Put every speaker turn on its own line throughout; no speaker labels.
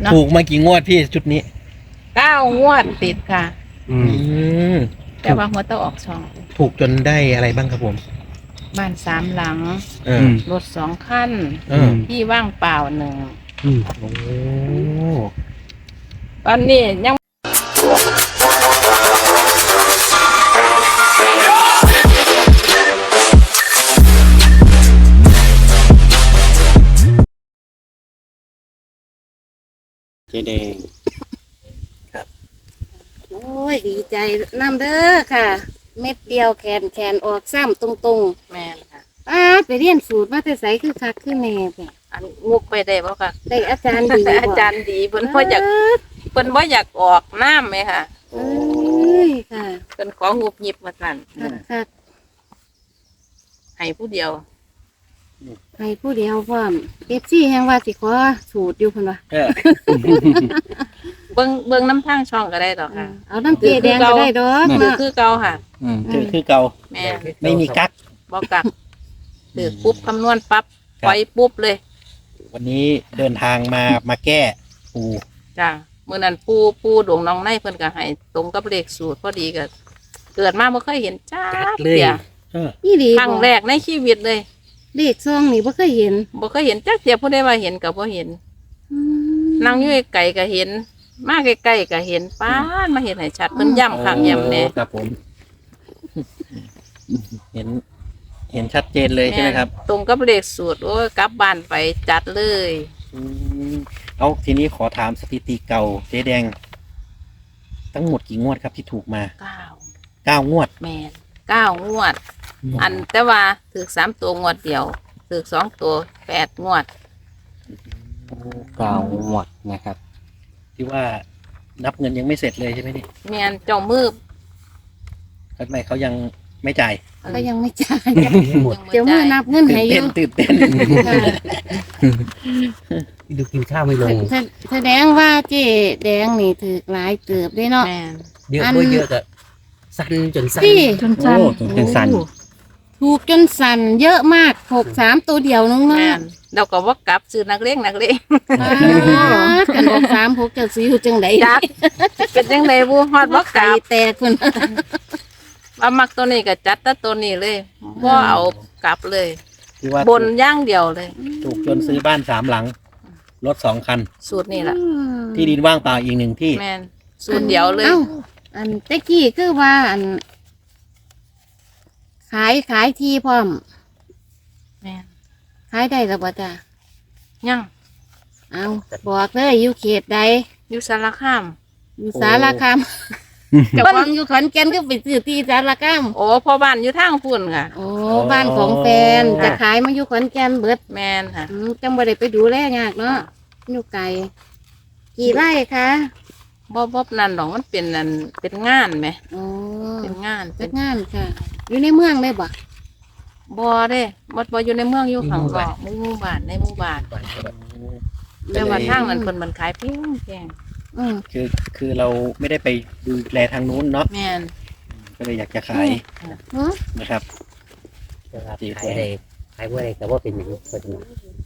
ถูกมากี่งวดพี่ชุดนี้
9 งวดติดค่ะ
อืม
แต่ว่าหัวเต้าออกช่อง
ถูกจนได้อะไรบ้างครับผม
บ้าน3 หลัง
เออ
รถ2 คัน
เออ
ที่ว่างเปล่า1
โอ้
ตอนนี้ยัง
เจแดง
โอ้ยดีใจน้ำเด้อค่ะ เม็ดเดียวแขนออกซ้ำตรง
แม่นค่ะ
ๆไปเรียนสูตรมาแต่ใสคือคักคือแน่เนี่ย
อันงุกไปได้บ่ค่ะ
ได้อาจารย์ดีบ่
อาจารย์ดีเพิ่นบ่อยากออกน้ำไหมค่ะ
เอ้ยค่ะ
เพิ่นของุบหยิบมาสั่น
คัก
ให้ผู้เดียว
ๆให้ผู้เดียวพร้อมเอฟซีแห่งว่าสิขอสูตรอยู่เพิ่นว่า
เออ
เบิ่งน้ำทางช่องก็ได้ดอกค่ะ
เอาน้ำเกลือแดงก็ได้ดอก
คือ
เนาะ
คือเก่าค่ะ
คือเก่า
แม่น
ไม่มีกั๊ก
บ่กักคือปุ๊บคำนวณปั๊บ
ครับ
ปล่อยปุ๊บเลย
วันนี้เดินทางมาแก้ปู
จ้ะมื้อนั้นปูดวงน้องในเพิ่นก็ให้ตรงกับเลขสูตรพอดีก็เกิดมาบ่เคยเห็นจ้าเดีย
นี่ดี
ครั้งแรกในชีวิตเลย
เลขซองนี่บ่เคยเห็น
บ่เคยเห็นจักเดียผู้ใดว่าเห็นก็บ่เห็น
อืม
นั่งอยู่ไกลๆก็เห็น มาใกล้ๆก็เห็นป้านมาเห็นให้ชัดเพิ่นย้ำข้างย้ำแน่
ครับผม เห็นชัดเจนเลยใช่ไหมครับ
ตรงกับเลขสูตรโอ้ยกลับบ้านไปจัดเลย
อืมเอาทีนี้ขอถามสถิติเก่าเจ๊แดง ทั้งหมดกี่งวดครับที่ถูกมา 9 งวด
แม่น9 งวด อันแต่ว่าถือ3 ตัวงวดเดียวถือ2 ตัว8 งวด
9 งวดนะครับ
ที่ว่านับเงินยังไม่เสร็จเลยใช่ไหมนี่
แม่นเจ้ามือ
ทำไมเขายังไม่จ่าย
ก็ยังไม่จ่าย
ยังบ่
เดี๋ยวมื้อนับเงิน
ตื่
ให้
น
อ
เต้
ยู่
นตื่นเต้น
ค่ะ
ดูกินข้าวไม่ลง
แสดงว่าเจ๊แดงนี่ถือหลายเติบได้เนาะ
แม่น
เยอะก็เยอะอะสั่นจนสั่น
พี่
จนสั่น
โอ้จนสั่น
ถูกจนสั่นเยอะมาก63ตัวเดียวนึง
แม่
เนาะ
นเราก็ว่ากลับซื้อนักเลง
กันออก36จะสิอยู่จังได๋
จักเป็นจังไดบ่ฮอดบ่ก
ไก่
ลับ
แตกพุ่น
ว่ามักตัวนี้ก็จัดแต่ตัวนี้เลยบ่เอากลับเลย
ที่ว่า
บนอย่างเดียวเลย
ถูกจนซื้อบ้าน3 หลัง รถ2 คัน
สูตรนี่ล่ะ
ที่ดินว่างเปล่าอีก1 ที่
แม่นสูตรเดียวเลย
อ้าอันตะกี้คือว่าอัน ขายที่พร้อม
แม่น
ขายได้แล้วบ่จ้ะ
ยัง
เอาบอกเลยอยู่เขตใด
อยู่สารคาม
อยู่สารคามเจ้าของอยู่ขอนแก่นก็ไปซื้อที่สารคาม
โอ้พ่อบ้านอยู่ทางพุ่นค่ะ
โอ้บ้านของแฟนจะขายมาอยู่ขอนแก่นเบิด
แม่นค่ะ
จังบ่ได้ไปดูแลยากเนาะอยู่ไกลกี่ไร่คะ
บ่นั่นดอกมันเป็นนั่นเป็นงานไหม
โอ้
เป็นงาน
จัดงานค่ะ อยู่ในเมืองได้บ่
บ่เด้บ่อยู่ในเมืองอยู่ข้างนอกหมู่บ้านในหมู่บ้านแต่ว่าทางนั้นเพิ่นมันขายแพง
อืม
คือเราไม่ได้ไปดูแลทางนู้นเนาะ
ๆแม่น
ก็เลยอยากจะขาย
หือ
นะครับ
ขายได้ขายว่าอะไรแต่ว่าเป็นอย่างนี้คนหนึ่ง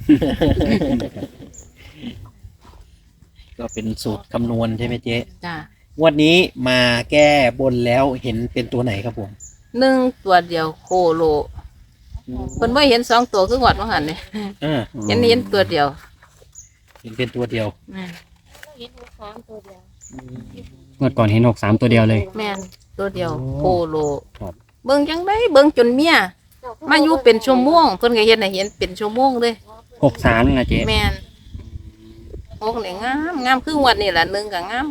ก็เป็นสูตรคำนวณใช่ไหมเจ๊
จ้ะ
งวดนี้มาแก้บนแล้วเห็นเป็นตัวไหนครับผม
1 ตัวเดียวโคโลเพิ่นบ่เห็น2 ตัวคือหวดว่าหั่นนี่
อ่า
เห็นตัวเดียว
เห็นเป็นตัวเดียว
แม่น
เมื่อก่อนเห็น63ตัวเดียวเลย
แม่นตัวเดียวโคโล
ครับ
เบิ่งจังได๋เบิ่งจนเมียมาอยู่เป็นชั่วโมงเพิ่นก็เฮ็ดให้เห็นเป็นชั่วโมงเลย
63นะเจ๊
แม่นโอ้นี่งามคืองวดนี่ล่ะ1ก็งาม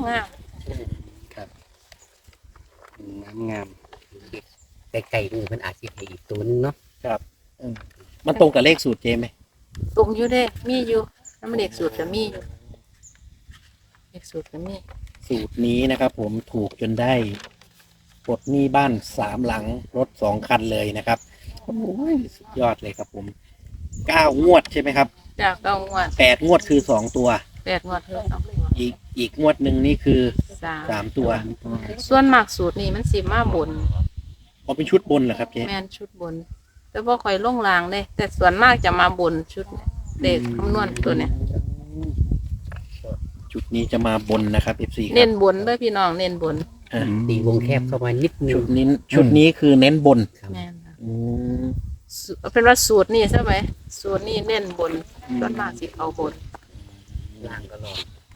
งามไก่ๆนี่มันอาจจะให้อีกตัวนึงเนาะ
มันตรงกับเลขสูตรเจ๊ไหม
ตรงอยู่เด้มีอยู่น้ำเลขสูตรก็มีอยู่เลขสูตรก็มี
สูตรนี้นะครับผมถูกจนได้ปลดหนี้บ้าน3 หลังรถ2 คันเลยนะครับโอ้ยสุดยอดเลยครับผม9 งวดใช่ไหมครับ
จ้า9 งวด
8 งวดคือ2 ตัว
8 งวดเท่านั้น
อีกงวดหนึ่งนี่คือ
3
3 ตัว
ส่วนมากสูตรนี้มันสิมาบน
เอาเป็นชุดบนเหรอครับเจ๊
แม่นชุดบน แต่บ่ค่อยลงรางเด้แต่ส่วนมากจะมาบนชุดเลขคำนวณตัวเนี้ย
ชุดนี้จะมาบนนะครับ FC ค
เน้
รับ
นบนเด้อพี่น้องเน้นบน
ตีวงแคบเข้ามานิดนึ
ชุ
ง
ดนี้ชุดนี้คือเน้นบน
ครับ
แม่นค่ะ
อืม
เป็นว่าสูตรนี่ใช่ไหมสูตรนี่เน้นบนส่วนมากสิเอาบน
ล่างก็ลอง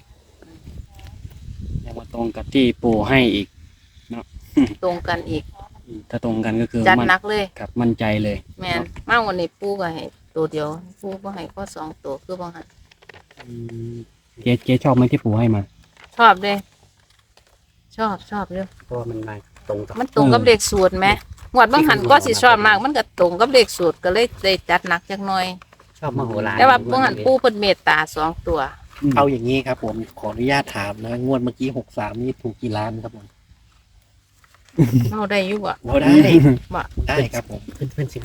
แล้วมาตรงกับที่ปู่ให้อีก
ตรงกันอีก
ถ้าตรงกันก็คือ
จัด
มั่น
หนักเลย
ครับมั่นใจเลย
แม่นมากวันนี้ปูก็ให้ตัวเดียวปูก็ให้ก็สองตัวคือบ่ให้
เจ๊ชอบไหมที่ปู่ให้มา
ชอบเด้ชอบเด้อ
เพราะว่ามันมาตรงกับ
มันตรงกับเลขสูตรไหมงวดบางหันก็สิชอบมาก มันก็ตรงกับเลขสูตรก็เลยได้จัดหนักจักหน่อย
ชอบมโหฬาร
แต่ว่าบางหันปูเพิ่นเมตตาสองตัว
เอาอย่างนี้ครับผมขออนุญาตถามนะงวดเมื่อกี้63นี่ถูกกี่ล้านครับผม
เอาได้อยู่บ่
เราได้
บ่
ได้ครับผม
เพื่อนสิไม่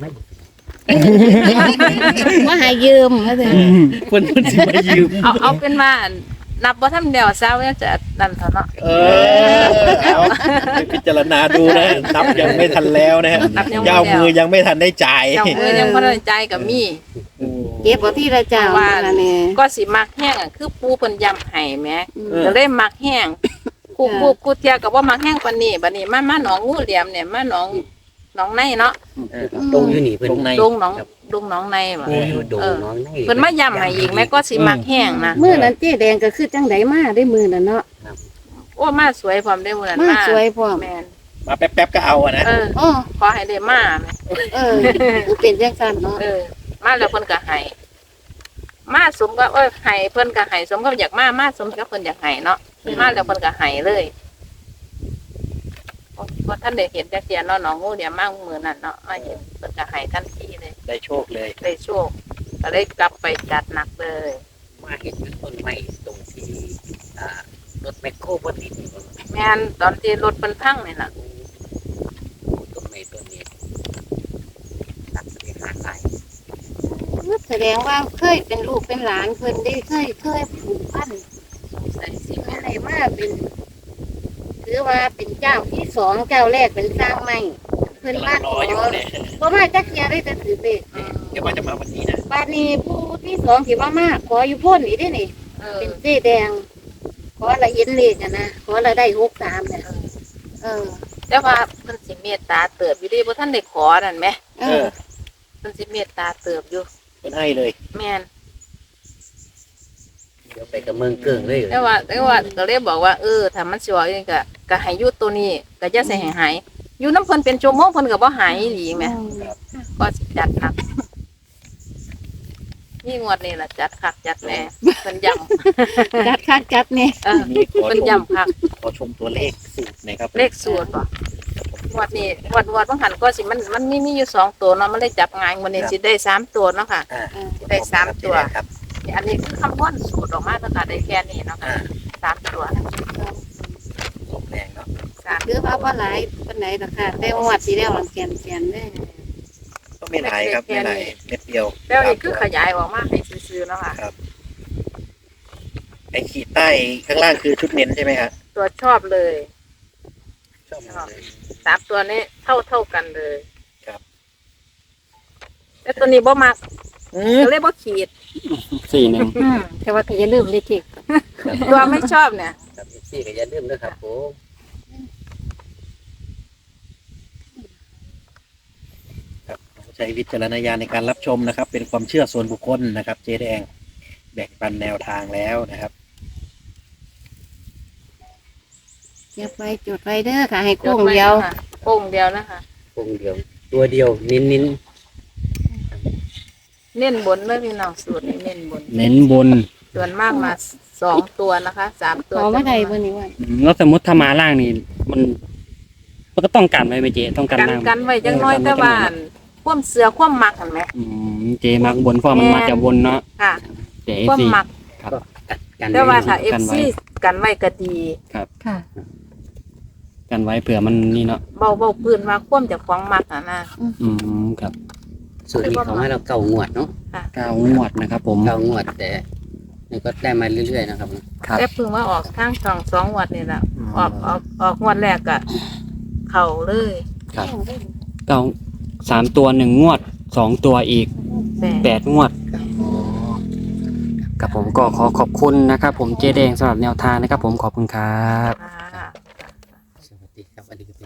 มาหายืมมาเถอะ
เพื่อนจะมายืม
เอาเป็นว่านับบ่ทำเดียวซะว่าจะนั่นเถอะเนาะ
เอาไปพิจารณาดูนะนับยังไม่ทันแล้วนะฮะ
นับยังไม่
ยาวมือยังไม่ทันได้จ่าย
เจ้ามือยังบ่ได้ใจายก็มี
เก็บเอาที่ละเจ้า
ว่า
ละเนี่ย
ก็สิมักแห้งอะคือปูเพิ่นย้ำให้แหม
เออ
ก็เลยมักแห้งกูเที่ยก็บ่มักแห้งปานนี้บัดนี้มาหนองงูเหลี่ยมเนี่ยมาหนองในเนาะ
ตรงอยู่นี่เพื่อน
ตรงใน
ดงหนองในบ่
ปูอยู่โดงน้องใน
เพิ่นมาย้ำให้อีกแม่ก็สิมักแห้งนะ
มือนั้นเจ๊แดงก็คือจังไดมาได้มือนั้นเนาะ
โอ้มาสวยพร้อมได้มื้อนั้น
มาสวยพร้อม
แม่น
มาแป๊บๆก็เอาอะนะ
อ๋อ
ขอให้ได้มาแม่
คือเป็นจังซั่นเนาะ
มาแล้วเพิ่นก็ให้มาสมกับให้เพิ่นก็ให้สมกับอยากมาสมกับเพิ่นอยากให้เนาะมาแล้วเพิ่นก็ให้เลยบ่ท่านได้เห็นจักเที่ยเนาะหนองงูเดี๋ยวมามื้อนั้นเนาะมาเห็นเพิ่นก็ให้ทันทีเลย
ได้โชคเลย
ได้โชคก็เลยกลับไปจัดหนักเลย
มาเห็นเป็นต้นไม้ตรงที่รถแมคโครบนดิน
แม่นตอนที่รถเพิ่นพังนี่ล่ะ
ต้นไม้ต้นนี้ตัดไปหาสาย
แสดงว่าเคยเป็นลูกเป็นหลานเพิ่นได้เคยผูกพัน
ใส่สิ
แม่ได้มาเป็นถือว่าเป็นเจ้าที่สองเจ้าแรกเป็นสร้างใหม่เพิ่นมา
ร
ข
อ
อ
อยู่เนี่ย
บ่มาจักเที่ยได้แต่ถือเลข
เดี๋ยวว่าจะมาวันนี้นะ
บัดนี้ผู้ที่สองที่มาขออยู่พ้นอีกเด้นี่ เป็นเจ๊แดง ขอละเห็นเลขอะนะขอละได้63เนี่ย
แต่ว่าเพิ่นสิเมตตาเติบอยู่ดีบ่ทันได้ขอนั่นแหม
เออ
เพิ่นสิเมตตาเติบอยู่
เป็นให้เลย
แม่น
เดี๋ยวไปกับเมืองเกิงเลย
แต่ว่าก็เลยบอกว่าถ้ามันสิว่าเองก็ให้อยู่ตัวนี้ก็จะใส่ให้หายอยู่น้ำเพิ่นเป็นชั่วโมงเพิ่นก็บ่หายอีหลีแหมก็สิจัดหนักนี่งวดนี้ล่ะจัดคักจัดแน่เพิ่นย้ำ
จัดคักจัดเนี่ย
นี่ขอ
เพิ่น
ชม
ย้ำคัก
ขอชมตัวเลขสูตรหนะครับ
เลขสูตรบ่งวดนี้งวดบางหันก็สิมันมีอยู่2ตัวเนาะมันเลยจับง่ายวันนี้สิได้3ตัวเนาะค่ะ ได้สามตัว
ครับ
อันนี้คือคำนวณสูตรออกมาตั้งแต่ได้แค่นี้เนาะค่ะ3ตัว
สมแรงเนาะ
คือว่าบ่หลายปานไหนดอกค่ะแต่งวดที่แล้วมันแกนเด้
ก็ไม่หลายครับไม่หลายเม็ดเดียว
แล้วนี่คือขยายออกมาให้ซื่อๆเนาะค่ะ
ไอ้ขีดใต้ข้างล่างคือชุดเน้นใช่ไหมฮะ
ตัวชอบเลย
ชอบเลย
3ตัวนี้เท่ากันเลย
ครับ
แต่ตัวนี้บ่มักก็เลยบ่ขีด
41
แต่ว่าก็อย่าลืมเลขเจ็ด
ตัวไม่ชอบเนี่ย
ครับพี่ก็อย่าลืมนะครับผม
ครับใช้วิจารณญาณในการรับชมนะครับ เป็นความเชื่อส่วนบุคคลนะครับ เจ๊แดงแบ่งปันแนวทางแล้วนะครับ
เก็บไว้จดไว้เด้อค่ะ ให้โค้งเดียว
โค้งเดียวนะคะ
วงเดียว ตัวเดียวนิ้น
เน้นบนเลยพี่น้องสูตรนี้เน้นบน
เน้นบน
ส่วนมากมา2ตัวนะคะ3ตัว
ขอมาได้บ่นี่ว่า
แล้วสมมติถ้ามาล่างนี่มันก็ต้องกันไว้ไหมเจ๊ต้องกัน
กัน
ล่าง
กันไว้จังน้อยแต่ว่าความเสือความมักเห็นไหม
เจ๊มักบนเพราะมันมาจากบนเนาะ
ค่ะ
แต่
ความ
FC
มัก
ครับ
ๆกัน
แต่ว่าถ้า
กันไว้
FC กันไว้ก็ดี
ค่ะ
กันไว้เผื่อมันนี่เนาะ
เบาปืนมาคว่ำจากของมักนะ
ครับ
ส่วนนี้เขาให้เราเก่างวดเนาะ
9 งวดนะครับผม
เก่างวดแต่นี่ก็ได้มาเรื่อยๆนะครับ
ครับ
แต่เพิ่งว่าออกทางช่อง2งวดนี่แหละออกงวดแรกก็เข่าเลย
ครับ3 ตัว1 งวด 2 ตัวอีก
แต่
8 งวดครับผมก็ขอขอบคุณนะครับผมเจ๊แดงสำหรับแนวทางนะครับผมขอบคุณครับ
ค่ะ
สวัสดีครับสวัสดีครับ